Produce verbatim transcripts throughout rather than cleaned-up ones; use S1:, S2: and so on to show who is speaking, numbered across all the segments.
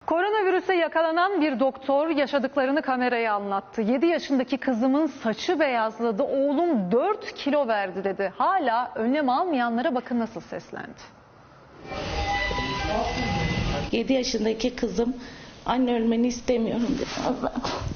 S1: Koronavirüse yakalanan bir doktor yaşadıklarını kameraya anlattı. yedi yaşındaki kızımın saçı beyazladı, oğlum dört kilo verdi dedi. Hala önlem almayanlara bakın nasıl seslendi.
S2: yedi yaşındaki kızım, anne ölmeni istemiyorum dedi.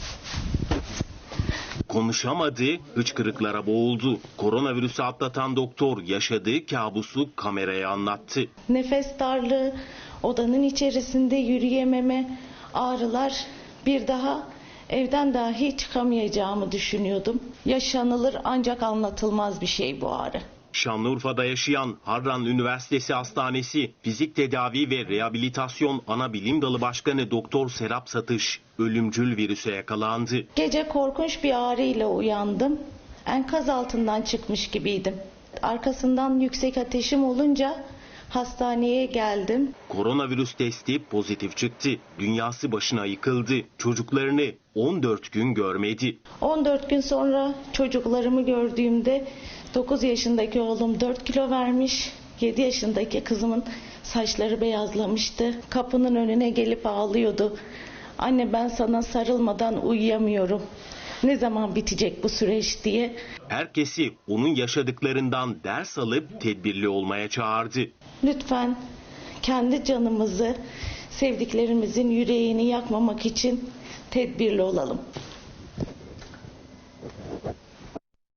S3: Konuşamadı, hıçkırıklara boğuldu. Koronavirüsü atlatan doktor yaşadığı kabusu kameraya anlattı.
S2: Nefes darlığı, odanın içerisinde yürüyememe, ağrılar, bir daha evden dahi çıkamayacağımı düşünüyordum. Yaşanılır ancak anlatılmaz bir şey bu ağrı.
S3: Şanlıurfa'da yaşayan Harran Üniversitesi Hastanesi Fizik Tedavi ve Rehabilitasyon Anabilim Dalı Başkanı Doktor Serap Satış ölümcül virüse yakalandı.
S2: Gece korkunç bir ağrıyla uyandım. Enkaz altından çıkmış gibiydim. Arkasından yüksek ateşim olunca hastaneye geldim.
S3: Koronavirüs testi pozitif çıktı. Dünyası başına yıkıldı. Çocuklarını on dört gün görmedi.
S2: on dört gün sonra çocuklarımı gördüğümde dokuz yaşındaki oğlum dört kilo vermiş. yedi yaşındaki kızımın saçları beyazlamıştı. Kapının önüne gelip ağlıyordu. Anne, ben sana sarılmadan uyuyamıyorum. Ne zaman bitecek bu süreç diye.
S3: Herkesi onun yaşadıklarından ders alıp tedbirli olmaya çağırdı.
S2: Lütfen kendi canımızı, sevdiklerimizin yüreğini yakmamak için tedbirli olalım.